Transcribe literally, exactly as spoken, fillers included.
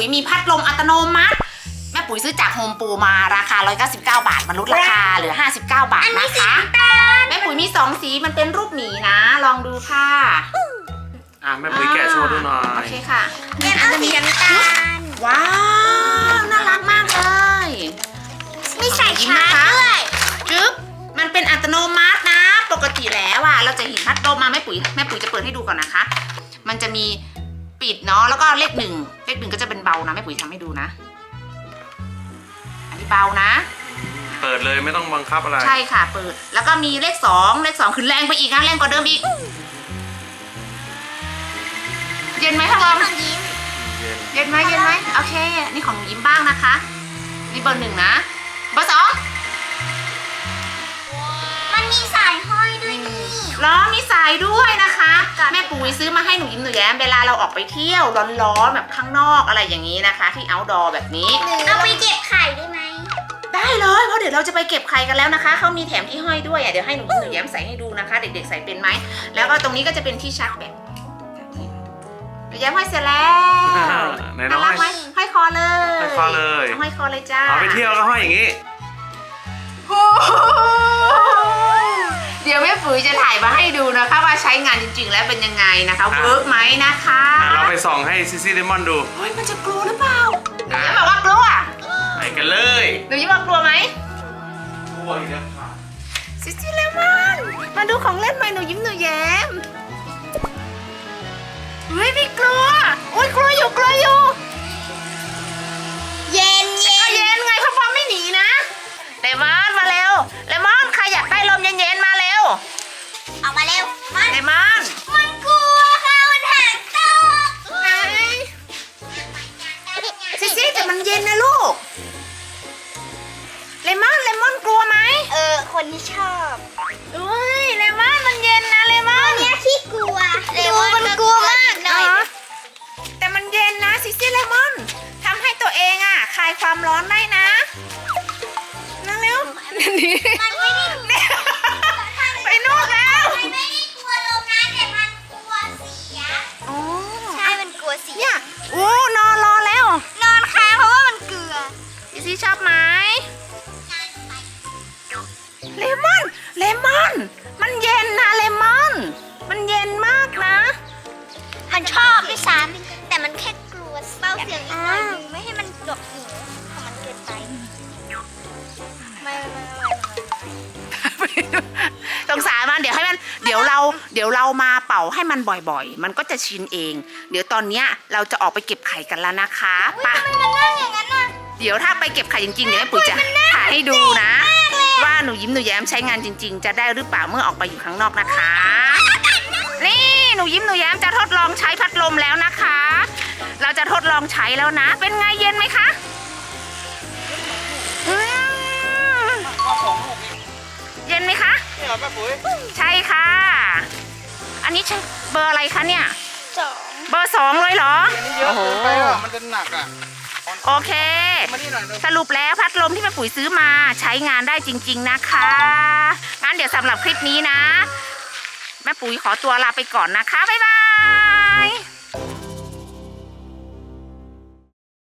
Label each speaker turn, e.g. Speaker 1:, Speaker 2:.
Speaker 1: ยมีพัดลมอัตโนมัติแม่ปุ๋ยซื้อจากโฮมโปรมาราคาหนึ่งร้อยเก้าสิบเก้าบาทมันลดราคาเหลือห้าสิบเก้าบาทนะคะแม่ปุ๋ยมีสองสีมันเป็นรูปหมีนะลองดูค่ะ
Speaker 2: อ่ะแม่ปุ๋ยแกะโชว์ดูหน่อย
Speaker 1: โอเคค่ะ
Speaker 3: เป็นเอาสีน้ำตาล
Speaker 1: ว้าวน่ารักมากเลย
Speaker 3: มีสายชาร์จด้วย
Speaker 1: จึ๊บมันเป็นอัตโนมัตินะปกติแล้วอ่ะเราจะเห็นพัดลมมาแม่ปุ๋ยแม่ปุ๋ยจะเปิดให้ดูก่อนนะคะมันจะมีปิดเนาะแล้วก็เลขหนึ่งเลขหนึ่งก็จะเป็นเบานะแม่ปุ๋ยทำให้ดูนะอันนี้เบานะ
Speaker 2: เปิดเลยไม่ต้องบังคับอะไร
Speaker 1: ใช่ค่ะเปิดแล้วก็มีเลขสองเลขสองคือแรงไปอีกนะแรงกว่าเดิมอีกเย็นไหมคะบอมเย็นไหมเย็นไหมโอเคนี่ของยิ้มบ้างนะคะนี่เบอร์หนึ่งนะเบอร์สอง
Speaker 3: มันมีสายห้อยด้วยนี่
Speaker 1: ล้อมีสายด้วยนะคะแม่ปุ๋ยซื้อมาให้หนูยิ้มหนูแย้มเวลาเราออกไปเที่ยวร้อนๆแบบข้างนอกอะไรอย่างนี้นะคะที่ outdoor แบบนี้
Speaker 3: เอาไปเก็บไข่ได้ไหม
Speaker 1: ได้เลยเพราะเดี๋ยวเราจะไปเก็บไข่กันแล้วนะคะเขามีแถมที่ห้อยด้วยอ่ะเดี๋ยวให้หนูยิ้มหนูแย้มใส่ให้ดูนะคะเด็กๆใส่เป็นไหมแล้วก็ตรงนี้ก็จะเป็นที่ชาร์จแบตหนูแย้มห้อยเสร็จแล้วน่ารักไหมห้อยคอเลย
Speaker 2: ห้อยคอเลย
Speaker 1: ห้อยคอเลยจ้า
Speaker 2: เอาไปเที่ยวก็ห้อยอย่างนี้
Speaker 1: เดี๋ยวแม่ปุ๋ยจะถ่ายมาให้ดูนะคะว่าใช้งานจริงๆแล้วเป็นยังไงนะคะเวิร์กไหมนะคะ
Speaker 2: เราไปส่องให้ซิซี่เลมอนดู
Speaker 1: เฮ้ยมันจะกลัวหรือเปล่าหนูยิ้มบอกว่ากลัว
Speaker 2: ไปกันเลย
Speaker 1: หนูยิ้มบอกกลัวไหม
Speaker 2: กลัวอีกแล้วค่ะ
Speaker 1: ซิซี่เลมอนมาดูของเล่นใหม่หนูยิ้มหนูแย้มเฮ้ยไม่กลัวโอ๊ยกลัวอยู่กลัวอยู่
Speaker 3: เย็นเย็น
Speaker 1: เย็นไงพ่อพ่อไม่หนีนะเลมอนมาเร็วเลมอนใครอยากได้ลมเย็นๆมาเร็ว
Speaker 3: ออกมาเร็วมัน
Speaker 1: เลมอน
Speaker 3: มันกลัวค่ะมันหางตก
Speaker 1: ไหนซิซี่แต่มันเย็นนะลูกเลมอนเลมอนกลัวไหม
Speaker 3: เออคนที่ชอบ
Speaker 1: อุ้ยเลมอนมันเย็นนะเลมอน
Speaker 3: เนี่ยที่กลัวเลมอนมันกลัวมากหน่อย
Speaker 1: แต่มันเย็นนะซิซี่เลมอนทำให้ตัวเองอ่ะคลายความร้อนได้นะนั่งเร็วนี่
Speaker 3: มันไม่ได้
Speaker 1: ไปนู่นแล้ว
Speaker 3: มันไม่ได้กลัวลมนะแต่มันกลัวเสีย
Speaker 1: อ๋อ
Speaker 3: ใช่มันกลัวเสีย
Speaker 1: เนี่ยโอ้นอนรอแล้ว
Speaker 3: นอนค้างเพราะว่ามันเกลือ
Speaker 1: ซิซี่ชอบไหมเลมอนเลมอนมันเย็นนะเลมอนมันเย็นมากนะ
Speaker 3: มันชอบด้วยซ้ำแต่มันแค่กลัวเบาเสียงอีกหน่อยนึงไม่ให้มันดกหูของมันเกินไปไม่ไม่
Speaker 1: สงสารมันเดี๋ยวให้มันเดี๋ยวเราเดี๋ยวเรามาเป่าให้มันบ่อยๆมันก็จะชินเองเดี๋ยวตอนเนี้ยเราจะออกไปเก็บไข่กันแล้วนะคะ
Speaker 3: ไปทำไมมันนั่งอย่างนั้นน่ะ
Speaker 1: เดี๋ยวถ้าไปเก็บไข่จริงๆเดี๋ยวแม่ปุ๋ยจะถ่ายให้ดูนะว่าหนูยิ้มหนูแย้มใช้งานจริงๆจะได้หรือเปล่าเมื่อออกไปอยู่ข้างนอกนะคะนี่หนูยิ้มหนูแย้มจะทดลองใช้พัดลมแล้วนะคะเราจะทดลองใช้แล้วนะเป็นไงเย็นไหมคะเย็นไหมคะ
Speaker 2: นี่เหรอแม่ปุ๋ย
Speaker 1: ใช่ค่ะอันนี้ใช่เบอร์อะไรคะเนี่ย
Speaker 3: สอง
Speaker 1: เบอร์สองเลยเหรอ
Speaker 2: อันนี้เยอะเกินไปอ่ะมันจะหนักอ่ะ
Speaker 1: โอเคสรุปแล้วพัดลมที่แม่ปุ๋ยซื้อมาใช้งานได้จริงๆนะคะงั้นเดี๋ยวสำหรับคลิปนี้นะแม่ปุ๋ยขอตัวลาไปก่อนนะคะบ๊ายบาย